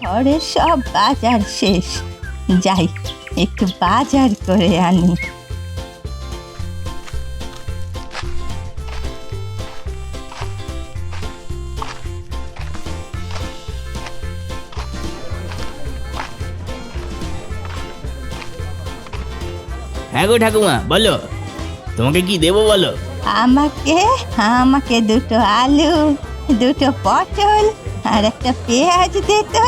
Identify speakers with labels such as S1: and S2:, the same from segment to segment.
S1: ঘরের সব বাজার শেষ, যাই একটু বাজার করে আনি।
S2: হ্যাঁ গো ঠাকুমা, বলো তোমাকে কি দেবো বলো।
S1: আমাকে আমাকে দুটো আলু, দুটো পটল আর একটা পেঁয়াজ দে তো।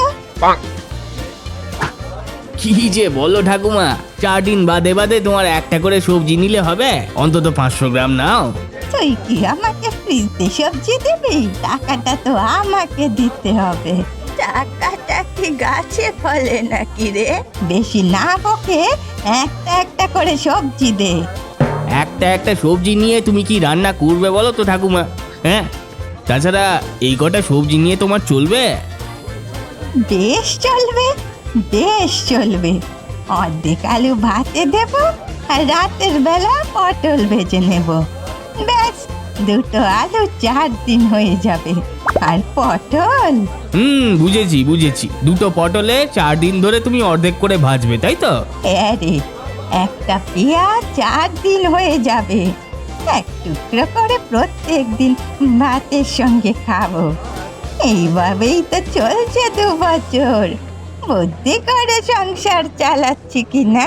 S2: কি যে বলো ঠাকুমা, 4 দিন বাদে বাদে তোমার একটা করে সবজি নিলে হবে? অন্তত 500 গ্রাম নাও।
S1: তুই কি আমাকে ফ্রিতে সবজি দিবি? টাকাটা তো আমাকে দিতে হবে। টাকাটা কি গাছে ফলে নাকি রে? বেশি না বকে একটা একটা করে সবজি দে।
S2: একটা একটা সবজি নিয়ে তুমি কি রান্না করবে বলো তো ঠাকুমা? হ্যাঁ, তাছাড়া এই কটা সবজি নিয়ে তোমার চলবে?
S1: বেশ চলবে, বেশ চলবে। অর্ধেক আলু ভাতে দেব আর রাতের বেলা পটল ভেজে নেব। ব্যাস, দুটো আলু 4 দিন হয়ে যাবে। আর পটল,
S2: বুঝেছি বুঝেছি, দুটো পটলে 4 দিন ধরে তুমি অর্ধেক করে ভাজবে, তাই তো?
S1: আরে একটা পেঁয়াজ 4 দিন হয়ে যাবে। এক টুকরো করে প্রত্যেক দিন ভাতের সঙ্গে খাবো। এইভাবেই তো চলছে 2 বছর। বুদ্ধি করে সংসার চালাচ্ছি কি না?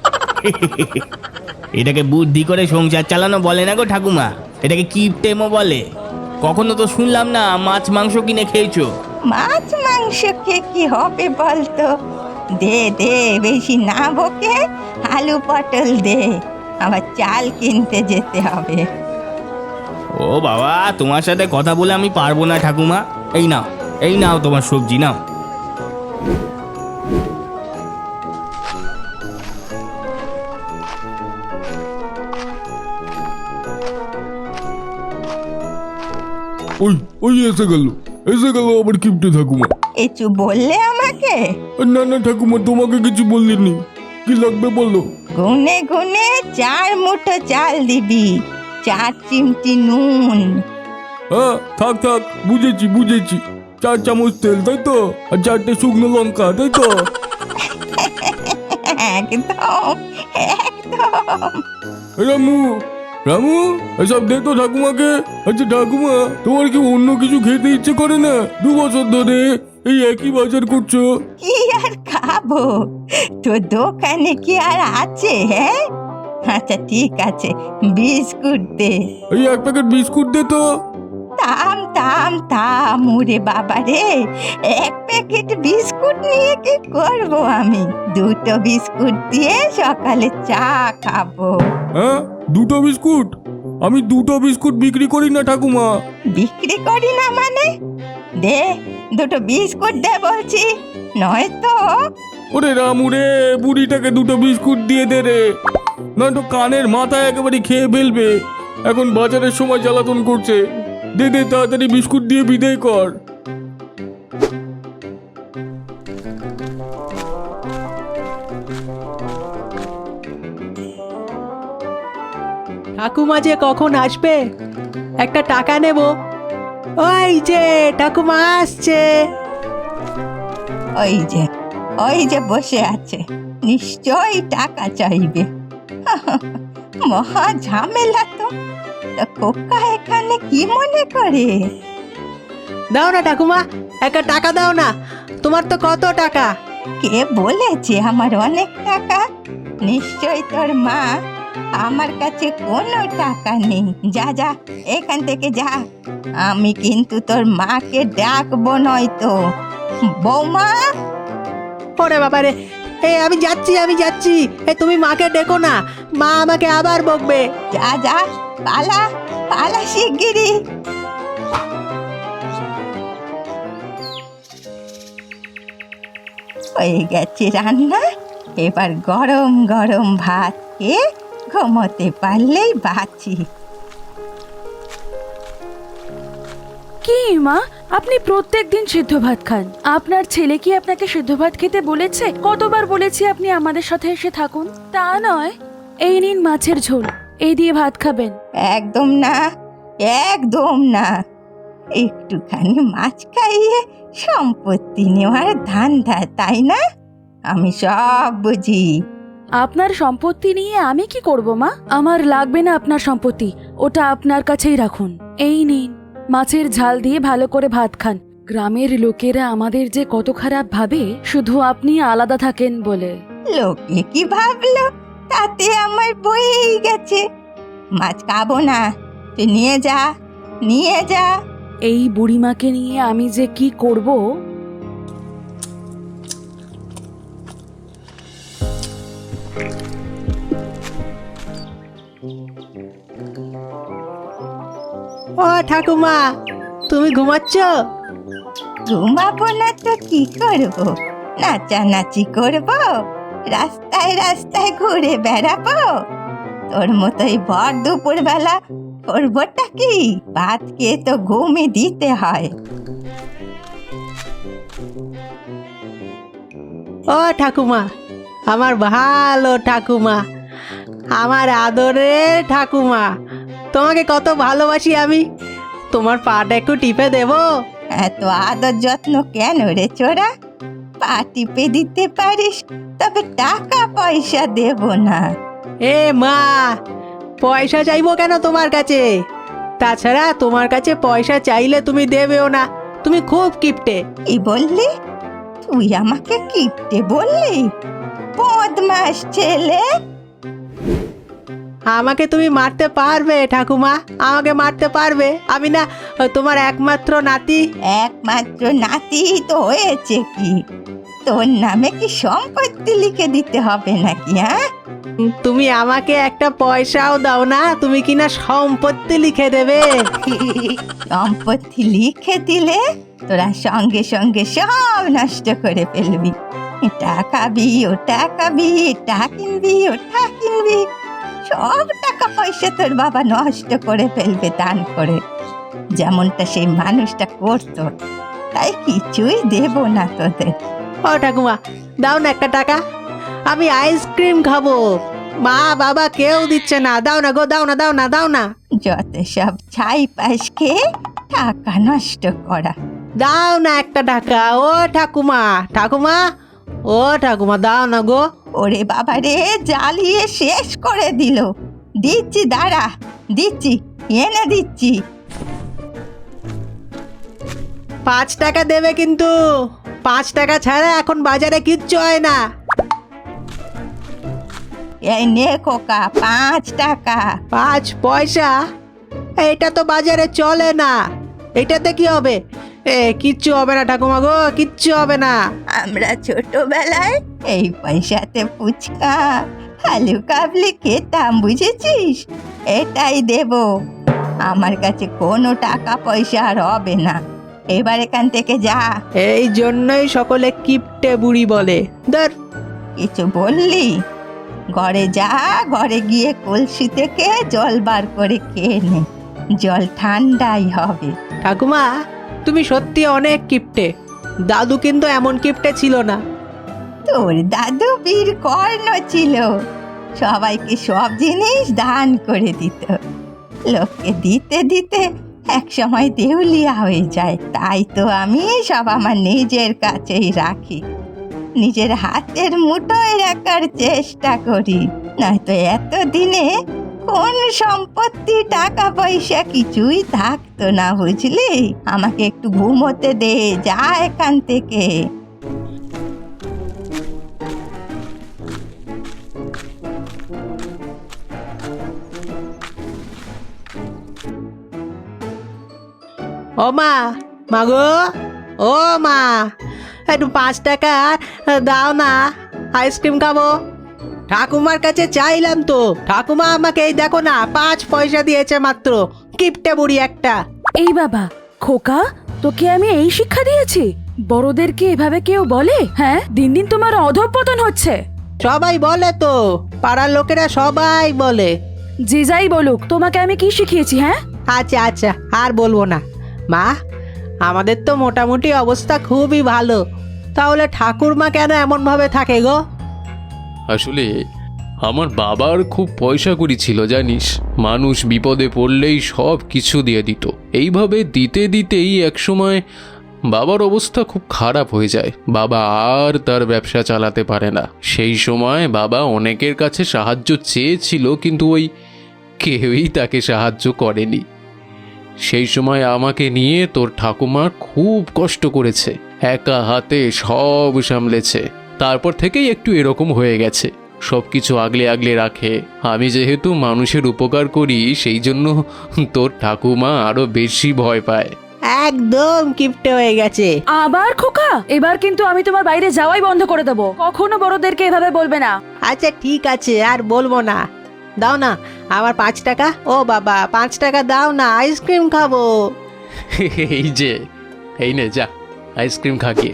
S2: এটাকে বুদ্ধি করে সংসার চালানো বলে না গো ঠাকুমা, এটাকে কিপটেমো বলে। কখনো তো শুনলাম না মাছ মাংস কিনে খেয়েছো।
S1: মাছ মাংস খেয়ে কি হবে বলতো? দে দে, বেশি না বকে আলু পটল দে, আবার চাল কিনতে যেতে হবে।
S2: ও বাবা, তোমার সাথে কথা বলে আমি পারবো না ঠাকুমা। এই নাও, এই নাও তোমার সবজি নাও।
S3: ওই ওই এসে গেল আবার কিপটে ঠাকুমা।
S1: কিছু বললে আমাকে?
S3: না না ঠাকুমা, তোমাকে কিছু বললিনি। কি লাগবে বলো।
S1: গুনে গুনে 4 মুঠো চাল দিবি, 4 চিমটি নুন।
S3: হ্যাঁ, থাক থাক, বুঝেছি বুঝেছি। 4 চামচ তেল, তাই তো? আর 4টে শুকনো লঙ্কা, তাই তো?
S1: একদম একদম।
S3: রামু রামু, এসব দে তো ঠাকুমাকে। আচ্ছা ঠাকুমা, তোমার কি অন্য কিছু খেতে ইচ্ছে করে না? 2 বছর ধরে এই একই বাজার করছো।
S1: কি আর খাবো? তো দোকানে কি আর আছে? হ্যাঁ, আচ্ছা ঠিক আছে, বিস্কুট দে।
S3: এই 1 প্যাকেট বিস্কুট দে তো।
S1: থাম থাম থাম, ওরে বাবা রে, 1 প্যাকেট বিস্কুট নিয়ে কি করব আমি? 2টো বিস্কুট দিয়ে সকালে চা খাবো।
S3: হ্যাঁ, 2টো বিস্কুট? আমি 2টো বিস্কুট বিক্রি করি না ঠাকুমা।
S1: বিক্রি করি না মানে? দে, 2টো বিস্কুট দে বলছি, নয়তো।
S3: ওরে রামু রে, বুড়িটাকে 2টো বিস্কুট দিয়ে দে রে, নয়তো কানের মাথায় একেবারে খেয়ে ফেলবে। এখন বাজারের সময় জ্বালাতন করছে। দে দে, তাড়াতাড়ি বিস্কুট দিয়ে বিদায় কর।
S4: ঠাকুমা যে কখন আসবে, একটা টাকা নেব। ওই যে ঠাকুমা আসছে।
S1: ওই যে বসে আছে, নিশ্চয়ই টাকা চাইবে। মহা ঝামেলা তো। তা খোকা এখানে কি মনে করে?
S4: দাও না ঠাকুমা, একটা টাকা দাও না। তোমার তো কত টাকা?
S1: কে বলেছে আমার অনেক টাকা? নিশ্চয়ই তোর মা। আমার কাছে কোনো টাকা নেই। যা যা, এখান থেকে যা। আমি কিন্তু তোর মাকে ডাকবো নয়তো। বৌমা,
S4: ওরে বাবা রে, এই আমি যাচ্ছি। এই তুমি মাকে ডেকো না, মা আমাকে আবার বকবে।
S1: যা যা, পালা পালা শিগগিরি। হয়ে গেছে রান্না, এবার গরম গরম ভাত খেয়ে ঘুমোতে পারলেই বাঁচি।
S5: কি মা, আপনি প্রত্যেক দিন সিদ্ধ ভাত খান? আপনার ছেলে কি আপনাকে সিদ্ধ ভাত খেতে বলেছে? কতবার বলেছি আপনি আমাদের সাথে এসে থাকুন। তা নয়, এই নিন মাছের ঝোল, এই দিয়ে ভাত খাবেন।
S1: একদম না, একদম না। একটুখানি মাছ খাইয়ে সম্পত্তি নেওয়ার ধান্দা, তাই না? আমি সব বুঝি।
S5: আপনার সম্পত্তি নিয়ে আমি কি করব মা? আমার লাগবে না আপনার সম্পত্তি, ওটা আপনার কাছেই রাখুন। এই নিন, মাছের ঝাল দিয়ে ভালো করে ভাত খান। গ্রামের লোকেরা আমাদের যে কত খারাপ ভাবে শুধু আপনি আলাদা থাকেন বলে।
S1: লোকে কি ভাবলো তাতে আমার বয়েই গেছে। মাছ খাবো না, তুই নিয়ে যা, নিয়ে যা।
S5: এই বুড়িমাকে নিয়ে আমি যে কি করব।
S4: ও ঠাকুমা, তুমি ঘুমাচ্ছ?
S1: ঘুমাবো না তো কি করবো? নাচানাচি করবো, রাস্তায় রাস্তায় ঘুরে বেড়াবো? তোর মতোই ভর দুপুর বেলা করবোটা কি? ভাত খেয়ে তো ঘুমই দিতে হয়।
S4: ও ঠাকুমা, আমার ভালো ঠাকুমা, আমার আদরের ঠাকুমা, তোমাকে কত ভালোবাসি আমি। তোমার পাটা একটু টিপে দেবো?
S1: এত আদর যত্ন কেন রে ছোড়া? পা টিপে দিতে পারিস, তবে টাকা পয়সা দেব না।
S4: এ মা, পয়সা চাইবো কেন তোমার কাছে? তাছাড়া তোমার কাছে পয়সা চাইলে তুমি দেবেও না, তুমি খুব কিপটে।
S1: কি বললি? তুই আমাকে কিপটে বললি? বদমাস ছেলে!
S4: আমাকে তুমি মারতে পারবে ঠাকুমা? আমাকে মারতে পারবে? আমি না তোমার একমাত্র নাতি।
S1: একমাত্র নাতি তো হয়েছে কি? তোর নামে কি সম্পত্তি লিখে দিতে হবে নাকি? হ্যাঁ,
S4: তুমি আমাকে একটা পয়সাও দাও না, তুমি কিনা সম্পত্তি লিখে দেবে।
S1: সম্পত্তি লিখে দিলে তোরা সঙ্গে সঙ্গে সব নষ্ট করে ফেলবি। এটা খাবি, ওটা খাবি, এটা কিনবি, ওটা কিনবি, সব টাকা পয়সা তোর বাবা নষ্ট করে ফেলবে দান করে, যেমনটা সেই মানুষটা করতো। তাই কিছুই দেব না তোদের।
S4: ও ঠাকুমা, দাও না একটা টাকা, আমি আইসক্রিম খাবো। মা বাবা কেউ দিচ্ছে না, দাও না গো, দাও না, দাও না, দাও না।
S1: যত সব ছাই পাশ খেয়ে টাকা নষ্ট করা।
S4: দাও না একটা টাকা। ও ঠাকুমা, ঠাকুমা, ও ঠাকুমা, দাও না গো।
S1: ওরে বাবা রে, জ্বালিয়ে শেষ করে দিল। দিচ্ছি, দাঁড়া, দিচ্ছি, এনে দিচ্ছি।
S4: 5 টাকা দেবে কিন্তু। 5 টাকা ছাড়া এখন বাজারে কিচ্ছু হয় না।
S1: এই নে খোকা, 5 টাকা।
S4: 5 পয়সা? এটা তো বাজারে চলে না। এটাতে কি হবে? কিচ্ছু হবে না ঠাকুমা গো, কিচ্ছু হবে না।
S1: আমরা ছোটবেলায় এই পয়সাতে ফুচকা, আলু কাবলি খেতাম, বুঝেছিস? এটাই দেব। আমার কাছে কোনো টাকা পয়সা আর হবে না। এবার এখান থেকে যা।
S4: এই জন্যই সকলে কিপটে বুড়ি বলে। ধর।
S1: কিছু বললি? ঘরে যা, ঘরে গিয়ে কলসি থেকে জল বার করে খেয়ে নে, জল ঠান্ডাই হবে।
S4: ঠাকুমা, তুমি সত্যি অনেক কিপটে। দাদু কিন্তু এমন কিপটে ছিল না।
S1: তোর দাদু বীর কর্ণ ছিল, সবাইকে সব জিনিস দান করে দিত। লোককে দিতে দিতে এক সময় দেউলিয়া হয়ে যায়। তাই তো আমি সব আমার নিজের কাছেই রাখি, নিজের হাতের মুঠোয় রাখার চেষ্টা করি। নয়তো এতদিনে কোন সম্পত্তি, টাকা পয়সা কিছুই থাকতো না, বুঝলি? আমাকে একটু ঘুমোতে দে, যা এখান থেকে।
S4: ও মা, মাগো, ও মা, একটু 5 টাকা দাও না, আইসক্রিম খাবো। ঠাকুমার কাছে চাইলাম তো, ঠাকুমা আমাকে এই দেখো না 5 পয়সা দিয়েছে মাত্র। কিপটে বুড়ি একটা।
S5: এই বাবা, খোকা, তোকে আমি এই শিক্ষা দিয়েছি? বড়দেরকে এভাবে কেউ বলে? হ্যাঁ, দিন দিন তোমার অধঃপতন হচ্ছে।
S4: সবাই বলে তো, পাড়ার লোকেরা সবাই বলে।
S5: যে যাই বলুক, তোমাকে আমি কি শিখিয়েছি? হ্যাঁ,
S4: আচ্ছা আচ্ছা, আর বলবো না। মা, আমাদের তো মোটামুটি অবস্থা খুবই ভালো, তাহলে ঠাকুরমা কেন এমন ভাবে থাকে গো?
S3: আসলে আমার বাবার খুব পয়সা কড়ি ছিল জানিস, মানুষ বিপদে পড়লেই সব কিছু দিয়ে দিত। এইভাবে দিতে দিতেই একসময়
S6: বাবার অবস্থা খুব খারাপ হয়ে যায়। বাবা আর তার ব্যবসা চালাতে পারে না। সেই সময় বাবা অনেকের কাছে সাহায্য চেয়েছিল, কিন্তু ওই কেউই তাকে সাহায্য করেনি। সেই সময় আমাকে নিয়ে তোর ঠাকুমা খুব কষ্ট করেছে, একা হাতে সব সামলেছে। তারপর থেকেই একটু এরকম হয়ে গেছে, সব কিছু আগলে আগলে রাখে। আমি যেহেতু মানুষের উপকার করি, সেই জন্য তোর ঠাকুমা আরো বেশি ভয় পায়।
S4: একদম কিপটে হয়ে গেছে।
S5: আবার খোকা, এবার কিন্তু আমি তোমার বাইরে যাওয়াই বন্ধ করে দেবো। কখনো বড়দেরকে এভাবে বলবে না।
S4: আচ্ছা ঠিক আছে, আর বলবো না। দাও না আমার 5 টাকা। ও বাবা, 5 টাকা দাও না, আইসক্রিম খাবো।
S6: এই নে যা, আইসক্রিম খা গিয়ে।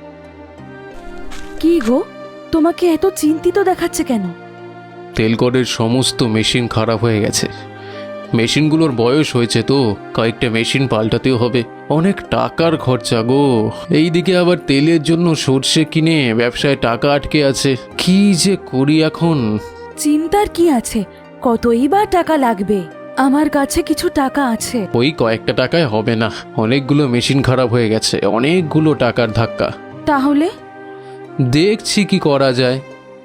S5: কি গো, তোমাকে এত চিন্তিত দেখাচ্ছে কেন?
S6: তেলকলের সমস্ত মেশিন খারাপ হয়ে গেছে। মেশিনগুলোর বয়স হয়েছে তো, কয়েকটা মেশিন পাল্টাতেও হবে। অনেক টাকার খরচা গো। এইদিকে আবার তেলের জন্য সর্ষে কিনে ব্যবসায় টাকা আটকে আছে। কি যে করি এখন।
S5: চিন্তার কি আছে, কতই বা টাকা লাগবে? আমার কাছে কিছু টাকা আছে।
S6: ওই কয়েকটা টাকায় হবে না, অনেকগুলো মেশিন খারাপ হয়ে গেছে, অনেকগুলো টাকার ধাক্কা।
S5: তাহলে
S6: দেখছি কি করা যায়।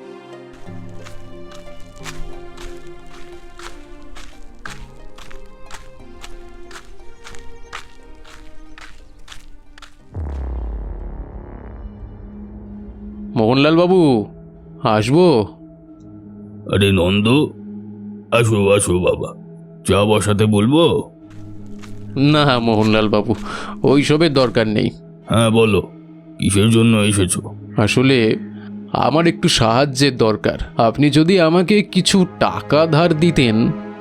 S6: মোহনলাল বাবু, আসবো?
S3: আরে নন্দ, আসো আসো বাবা, চা বসাতে বলবো?
S6: না মোহনলাল বাবু, ওইসবের দরকার নেই।
S3: হ্যাঁ বলো, কিসের জন্য এসেছো?
S6: আসলে আমার একটু সাহায্যের দরকার। আপনি যদি আমাকে কিছু টাকা ধার দিতেন।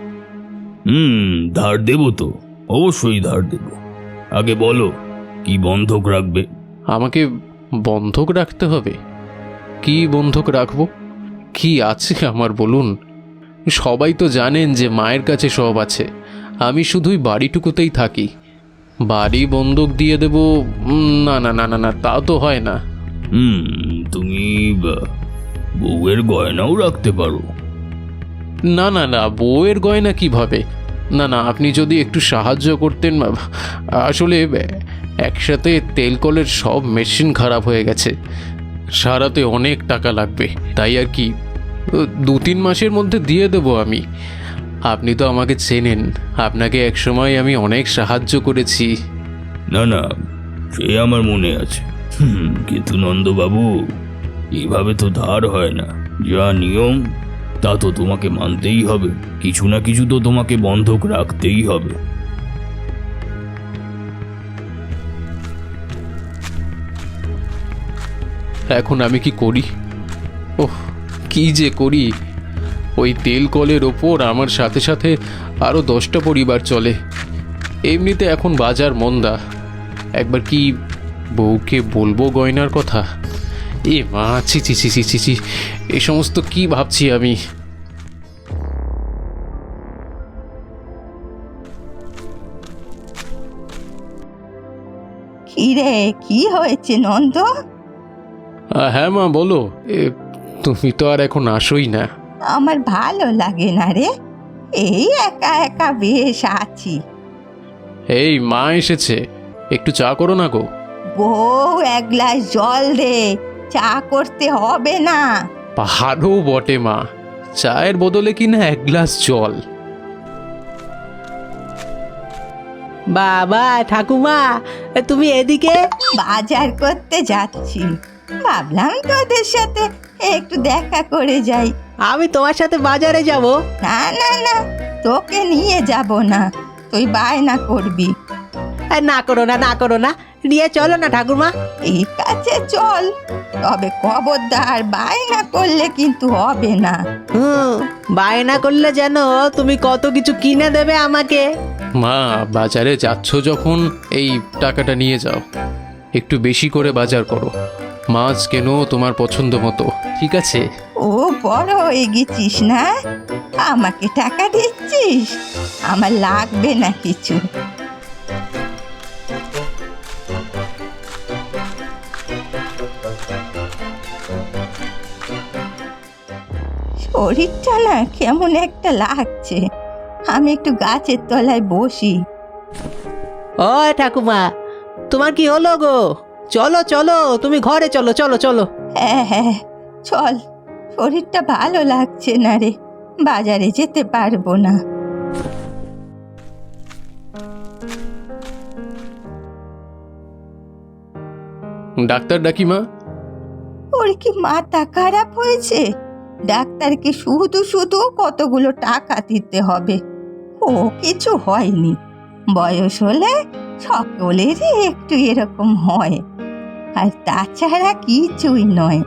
S3: ধার দেবো তো, অবশ্যই ধার দেবো। আগে বলো, কি বন্ধক রাখবে?
S6: আমাকে বন্ধক রাখতে হবে? কি বন্ধক রাখবো? কি আছে আমার বলুন? সবাই তো জানেন যে মায়ের কাছে সব আছে, আমি শুধুই বাড়িটুকুতেই থাকি। বাড়ি বন্ধক দিয়ে দেব? না না না না না, তা তো হয় না।
S3: তুমি বউয়ের গয়নাও রাখতে পারো।
S6: না না না, বউয়ের গয়না কিভাবে? না না, আপনি যদি একটু সাহায্য করতেন। আসলে একসাথে তেলকলের সব মেশিন খারাপ হয়ে গেছে, সারাতে অনেক টাকা লাগবে। তাই আর কি, 2-3 মাসের মধ্যে দিয়ে দেব আমি। আপনি তো আমাকে চেনেন, আপনাকে একসময় আমি অনেক সাহায্য করেছি।
S3: না না, সে আমার মনে আছে। কিন্তু নন্দবাবু, এভাবে তো ধার হয় না। যা নিয়ম তা তো তোমাকে মানতেই হবে। কিছু না কিছু তো তোমাকে বন্ধক রাখতেই হবে।
S6: এখন আমি কি করি? ওহ, কি যে করি। ওই তেল কলের ওপর আমার সাথে সাথে আরও 10টা পরিবার চলে। এমনিতে এখন বাজার মন্দা। একবার কি বউকে বলবো গয়নার কথা? এ মা, ছি ছি ছি ছি ছি ছি, এ সমস্ত কি ভাবছি আমি।
S1: কি রে, কি হয়েছে নন্দ?
S6: হ্যাঁ মা বলো। তুমি তো আর এখন আসোই না।
S1: আমার ভালো লাগে না রে, এই একা একা বেশ আছি।
S6: এই মা এসেছে, একটু চা করো না গো।
S1: বউ, 1 গ্লাস জল দে, চা করতে হবে না।
S6: পাহাড়ও বটে মা, চায়ের বদলে কিনা 1 গ্লাস জল।
S4: বাবা ঠাকুমা, তুমি এদিকে?
S1: বাজার করতে যাচ্ছি, ভাবলাম তোদের সাথে একটু দেখা করে যাই।
S4: আমি তোমার সাথে বাজারে যাব?
S1: না না না, তোকে নিয়ে যাব না, তুই বায়না করবি।
S4: না করো না, না করো না, নিয়ে চলো না ঠাকুমা।
S1: ঠিক আছে চল, তবে খবরদার বায়না করলে কিন্তু হবে না।
S4: বায়না করলে যেন তুমি কত কিছু কিনে দেবে আমাকে।
S6: মা, বাজারে যাচ্ছ যখন এই টাকাটা নিয়ে যাও, একটু বেশি করে বাজার করো। মাছ কেনো তোমার পছন্দ মতো, ঠিক আছে?
S1: ও বড় হয়ে গেছিস না, আমাকে টাকা দিচ্ছিস? আমার লাগবে না কিছু। শরীরটা না কেমন একটা লাগছে, আমি একটু গাছের তলায় বসি।
S4: ও ঠাকুমা, তোমার কি হলো গো? চলো চলো, তুমি ঘরে চলো, চলো চলো।
S1: হ্যাঁ হ্যাঁ চল, শরীরটা ভালো লাগছে না রে, বাজারে যেতে পারবো না।
S6: ডাক্তার ডাকি মা?
S1: ওর কি মাথা খারাপ হয়েছে? ডাক্তারকে শুধু শুধু কতগুলো টাকা দিতে হবে? ও কিছু হয়নি, বয়স হলে সকলেরই একটু এরকম হয়, আর তাছাড়া কিছুই নয়।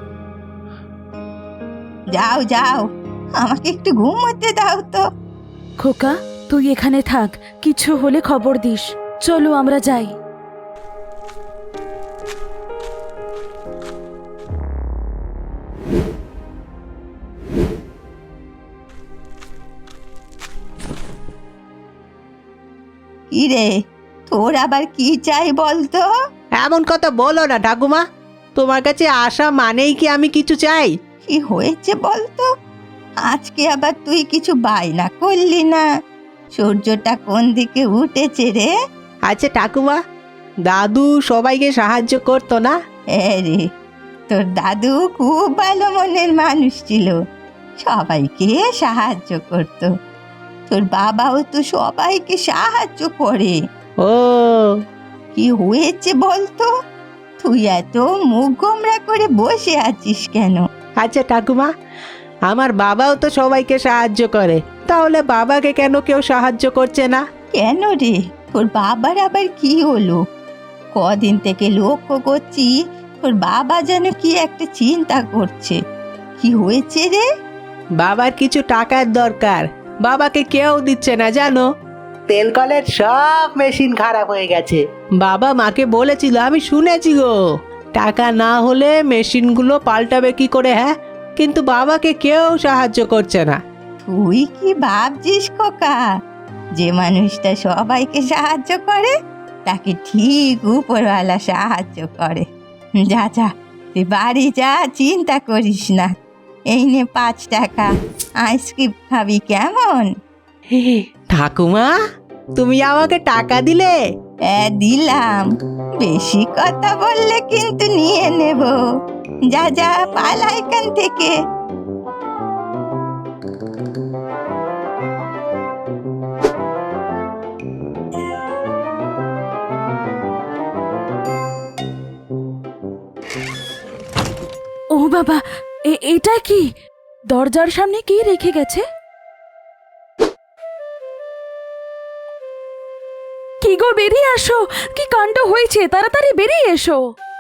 S1: যাও যাও, আমাকে একটু ঘুমোতে দাও তো।
S5: খোকা, তুই এখানে থাক, কিছু হলে খবর দিস। চলো আমরা যাই।
S1: কি রে, তোর আবার কি চাই বলতো?
S4: এমন কথা বলো না ঠাকুমা, তোমার কাছে আসা মানেই কি আমি কিছু চাই?
S1: কি হয়েছে বলতো? আজকে আবার তুই কিছু বায়না করলি না? সূর্যটা কোন দিকে উঠেছে রে?
S4: আচ্ছা ঠাকুমা, দাদু সবাইকে সাহায্য করতো না?
S1: হ্যাঁ রে, তোর দাদু খুব ভালো মনের মানুষ ছিল, সবাইকে সাহায্য করত। তোর বাবাও তো সবাইকে সাহায্য করে।
S4: ও,
S1: কি হয়েছে বলতো? তুই এত মুখ গোমরা করে বসে আছিস কেন?
S4: আচ্ছা ঠাকুমা, আমার বাবাও তো সবাইকে সাহায্য করে, তাহলে বাবাকে কেন কেউ সাহায্য করছে না?
S1: কেন রে, তোর বাবার আবার কি হলো? কদিন থেকে লক্ষ্য করছি তোর বাবা যেন কি একটা চিন্তা করছে। কি হয়েছে রে?
S4: বাবার কিছু টাকার দরকার, বাবাকে কেউ দিচ্ছে না জানো। তেল কলের সব মেশিন খারাপ হয়ে গেছে। বাবা মাকে বলেছিল, আমি শুনেছি গো, টাকা না হলে মেশিনগুলো পাল্টাবে কি করে, হ্যাঁ? কিন্তু বাবাকে কেউ সাহায্য করছে না।
S1: তুই কি ভাবছিস খোকা, যে মানুষটা সবাইকে সাহায্য করে তাকে ঠিক উপরওয়ালা সাহায্য করে? যা যা, তুই বাড়ি যা, চিন্তা করিস না। এই নে 5 টাকা, আইসক্রিম খাবি কেমন?
S4: ঠাকুমা, তুমি আমাকে টাকা দিলে?
S1: হ্যাঁ দিলাম, বেশি কথা বললে কিন্তু নিয়ে নেব। যা যা, পালা এখান থেকে।
S5: ও বাবা, এটা কি? দরজার সামনে কি রেখে গেছে? কি গো, বেরিয়ে আসো, কি কাণ্ড হয়েছে, তাড়াতাড়ি বেরিয়ে এসো।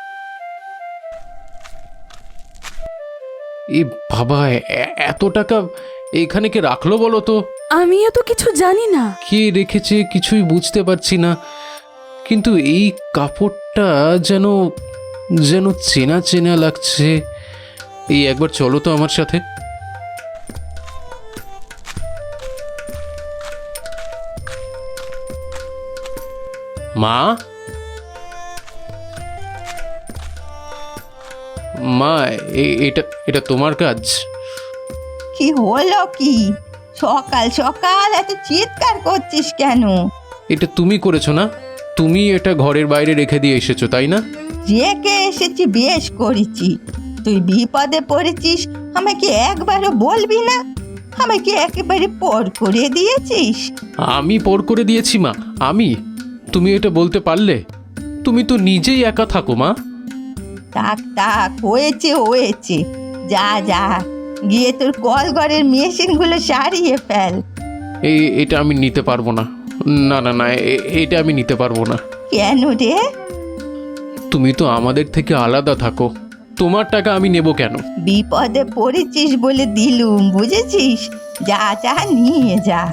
S6: এই বাবা, এত টাকা এখানে কে রাখলো বলো তো?
S5: আমিও তো কিছু জানি না।
S6: কে রেখেছে কিছুই বুঝতে পারছি না, কিন্তু এই কাপড়টা যেন যেন চেনা চেনা লাগছে। এই একবার চলো তো আমার সাথে। মা, মা, এটা এটা তোমার কাজ?
S1: কি হলো কি? সকাল সকাল এত চিৎকার করছিস কেন?
S6: এটা তুমি করেছো না? তুমি এটা ঘরের বাইরে রেখে দিয়ে এসেছো তাই না?
S1: রেখে এসেছি, বেশ করেছি। তুই বিপদে পড়েছিস, আমাকে একবারও বলবি না? আমাকে একেবারে পর করে দিয়েছিস।
S6: আমি পর করে দিয়েছি মা? আমি? তুমি এটা বলতে পারলে? তুমি তো নিজেই একা থাকো মা।
S1: থাক থাক, হয়েছে হয়েছে, যা যা, গিয়ে তোর কলঘরের মেশিনগুলো সারিয়ে ফেল।
S6: এটা আমি নিতে পারবো না। না না না, এটা আমি নিতে পারবো না।
S1: কেন রে?
S6: তুমি তো আমাদের থেকে আলাদা থাকো, তোমার টাকা আমি নেব কেন?
S1: বিপদে পড়েছিস বলে দিলুম, বুঝেছিস? যা যা, নিয়ে যা।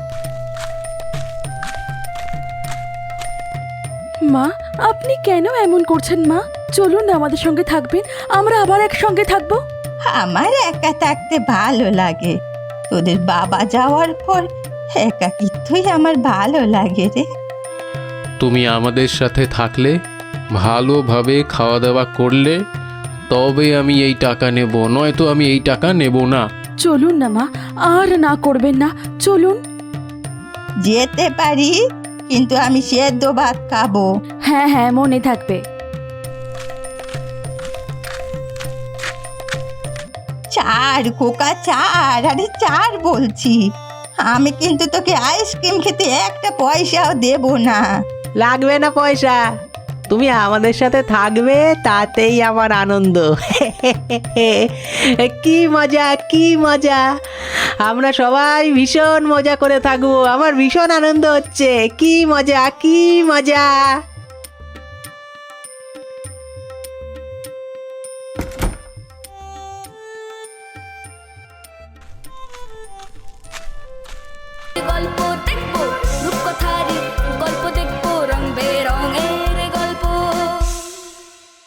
S5: মা, আপনি কেন এমন করছেন মা? চলুন না, আমাদের সঙ্গে থাকবেন, আমরা আবার একসঙ্গে থাকবো।
S1: আমার একা থাকতে ভালো লাগে, তোদের বাবা যাওয়ার পর একাকিত্বই আমার ভালো লাগে রে।
S6: তুমি আমাদের সাথে থাকলে, ভালোভাবে খাওয়া দাওয়া করলে, তবে আমি এই টাকা নেব, নয়তো আমি এই টাকা নেব না।
S5: চলুন না মা, আর না করবেন না, চলুন।
S1: যেতে পারি, কিন্তু আমি সেদ্ধ ভাত খাবো।
S5: হ্যাঁ হ্যাঁ, মনে থাকবে।
S1: চার খোকা চার, আরে চার বলছি। আমি কিন্তু তোকে আইসক্রিম খেতে একটা পয়সাও দেব না।
S4: লাগবে না পয়সা, তুমি আমাদের সাথে থাকবে তাতেই আমার আনন্দ। কি মজা, কি মজা! আমরা সবাই ভীষণ মজা করে থাকবো, আমার ভীষণ আনন্দ হচ্ছে। কি মজা, কি মজা!